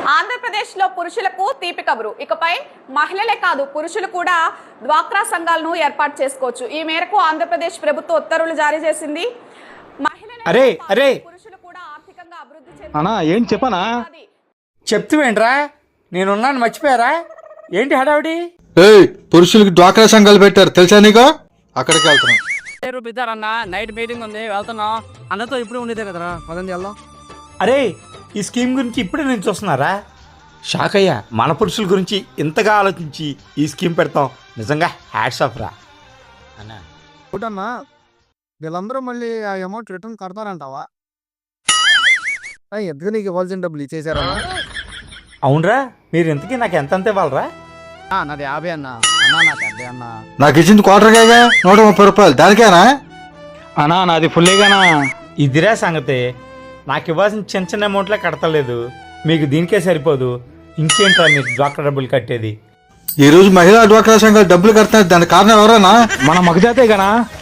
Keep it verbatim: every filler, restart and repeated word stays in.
ఆంధ్రప్రదేశ్లో పురుషులకు తీపి కబురు. ఇకపై మహిళలే కాదు పురుషులు కూడా డ్వాక్రా సంఘాలను ఏర్పాటు చేసుకోవచ్చు. ఈ మేరకు ఆంధ్రప్రదేశ్ ప్రభుత్వం ఉత్తర్వులు జారీ చేసింది. అరే అరే పురుషులు కూడా ఆర్థికంగా అభివృద్ధి అన్నా ఏం చెప్పనా చెప్తువేంట్రా? నేనున్నాను మర్చిపోయారా? ఏంటి హడావిడి? ఏయ్ పురుషులకి డ్వాక్రా సంఘాలు పెట్టారు తెలుసా నీకు? అక్కడికి వెళ్తున్నాం. రూపిస్తారన్న నైట్ మీటింగ్ ఉంది వెళ్తున్నాం. అందరితో ఇప్పుడు ఉండేదే కదరా పదండి వెళ్దాం. అరే ఈ స్కీమ్ గురించి ఇప్పుడే నేను చూస్తున్నారా? షాక్ అయ్యా. మన పురుషుల గురించి ఇంతగా ఆలోచించి ఈ స్కీమ్ పెడతాం. నిజంగా హ్యాట్స్ ఆఫ్ రా అన్నా. ఒకటన్నా వీళ్ళందరూ మళ్ళీ ఆ అమౌంట్ రిటర్న్ కడతారంటావా? ఎందుకు నీకు ఇవ్వాల్సిన డబ్బులు ఇచ్చేసారా? అవునరా, మీరు ఇంతకీ నాకు ఎంత అంత ఇవ్వాలరా? నాది యాభై అన్న అన్నా నాకు అదే అన్న. నాకు ఇచ్చింది క్వార్టర్ కాగా నూట ముప్పై రూపాయలు దానికేనా? అన్నా నాది ఫుల్లేగానా? ఇదిరా సంగతి. నాకు ఇవ్వాల్సిన చిన్న చిన్న అమౌంట్లే కడతలేదు, మీకు దీనికే సరిపోదు. ఇంకేంట్రా మీకు డ్వాక్రా డబ్బులు కట్టేది? ఈ రోజు మహిళా డ్వాక్రా సంఘాలు డబ్బులు కడుతున్నారు, దానికి కారణం ఎవరన్నా? మన మగజాతే గానా?